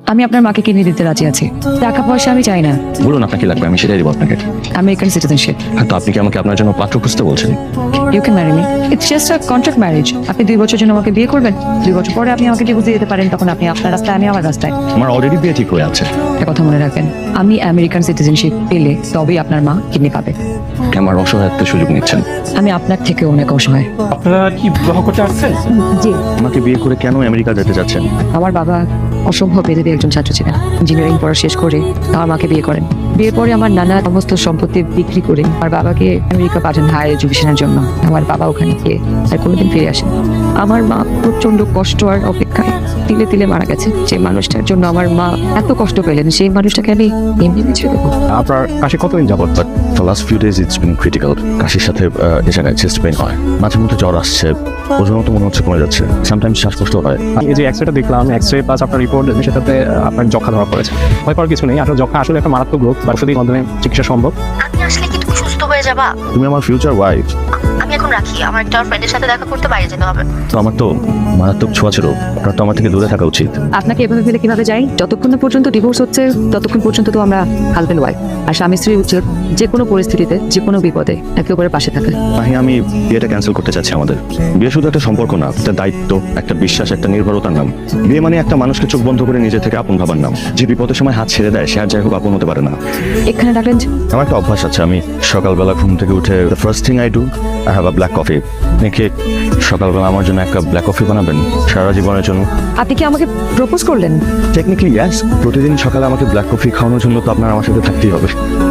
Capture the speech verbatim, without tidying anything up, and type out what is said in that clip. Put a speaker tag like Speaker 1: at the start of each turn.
Speaker 1: আমি আপনার মাকে কিনে দিতে রাজি আছি। টাকা পয়সা আমি চাই না।
Speaker 2: বলুন আপনার কি লাগবে, আমি সেটাই দেবো আপনাকে।
Speaker 1: American citizenship.
Speaker 2: হ্যাঁ, তো আপনি কি আমাকে আপনার জন্য পাত্র খুঁজতে বলছেন?
Speaker 1: You can marry me. It's just a contract marriage. আপনি দুই বছর জন্য আমাকে বিয়ে করবেন, দুই বছর পরে আপনি আমাকে ডিভোর্স দিয়ে দিতে পারেন, তখন আপনি আপনার রাস্তায়, আমি আমার রাস্তায়।
Speaker 2: আমার অলরেডি বিয়ে ঠিক হয়ে আছে।
Speaker 1: একটা কথা মনে রাখবেন, আমি আমেরিকান সিটিজেনশিপ পেলে তবেই আপনার মা কিডনি পাবে।
Speaker 2: আমার অসহায়ত্বের সুযোগ নিচ্ছেন।
Speaker 1: আমি আপনার থেকে অনেক অসহায়।
Speaker 3: আপনারা কি বিবাহ করতে আসছেন?
Speaker 1: জি।
Speaker 2: আমাকে বিয়ে করে কেন আমেরিকা যেতে চাচ্ছেন?
Speaker 1: আমার বাবা অসম্ভব মেধাবী একজন ছাত্র ছিলেন। ইঞ্জিনিয়ারিং পড়া শেষ করে আমার মাকে বিয়ে করেন। বিয়ের পরে আমার নানা সমস্ত সম্পত্তি বিক্রি করে আমার বাবাকে আমেরিকা পাঠান হায়ার এডুকেশনের জন্য। আমার বাবা ওখানে গিয়ে আর কোনোদিন ফিরে আসেন। আমার মা প্রচন্ড কষ্ট আর অপেক্ষায় তিলে তিলে মারা গেছে। যে মানুষটার জন্য আমার মা এত কষ্ট পেলেন, সেই মানুষটাকে আমি এমনি বেছে দেবো।
Speaker 3: আপনার কাশি কতদিন যাবত?
Speaker 2: But the last few days it's been critical. কাশির সাথে আহ, এ জায়গায় চেস্ট পেইন হয়, মাঝে মধ্যে জ্বর আসছে, ওজনও তো মনে হচ্ছে কমে যাচ্ছে, সামটাইমস শ্বাসকষ্ট হয়।
Speaker 3: এই যে এক্সরেটা দেখলাম, এক্সরে প্লাস আপনার রিপোর্ট, সেটাতে আপনার যক্ষা ধরা পড়েছে। ভয় পাওয়ার কিছু নেই, আসলে যক্ষা আসলে একটা মারাত্মক রোগ, বা ওষুধের মাধ্যমে চিকিৎসা সম্ভব।
Speaker 4: আপনি আসলে কি তুমি সুস্থ হয়ে যাবা?
Speaker 2: তুমি আমার ফিউচার ওয়াইফ।
Speaker 4: আমি এখন রাখি, আমার একটা ফ্রেন্ডের সাথে দেখা করতে বাইরে যেতে হবে।
Speaker 2: তো আমার তো মারাত্মক ছোঁয়া ছিল, আপনার তো আমার থেকে দূরে থাকা উচিত।
Speaker 1: আপনাকে এভাবে ফেলে কিভাবে যাই? যতক্ষণ না পর্যন্ত ডিভোর্স হচ্ছে ততক্ষণ পর্যন্ত তো আমরা হাজবেন্ড ওয়াইফ। আর স্বামী স্ত্রী উচিত যে কোনো পরিস্থিতিতে, যে কোনো বিপদে একে অপরের পাশে থাকা।
Speaker 2: মাহি, আমি বিয়েটা ক্যান্সেল করতে চাচ্ছি। আমাদের বিয়ে শুধু একটা সম্পর্ক না, একটা দায়িত্ব, একটা বিশ্বাস, একটা নির্ভরতার নাম। বিয়ে মানে একটা মানুষকে চোখ বন্ধ করে নিজে থেকে আপন ভাবার নাম। যে বিপদের সময় হাত ছেড়ে দেয়, সে আর যাই হোক আপন হতে পারে না।
Speaker 1: এখানে ডাকলেন যে?
Speaker 2: আমার একটা অভ্যাস আছে, আমি সকালবেলা ঘুম থেকে উঠে the first thing I do I have a black coffee. দেখে সকালবেলা আমার জন্য একটা ব্ল্যাক কফি বানাবেন সারা জীবনের জন্য?
Speaker 1: আপনি কি আমাকে প্রপোজ করলেন?
Speaker 2: Technically yes. প্রতিদিন সকালে আমাকে ব্ল্যাক কফি খাওয়ানোর জন্য তো আপনার আমার সাথে থাকতেই হবে।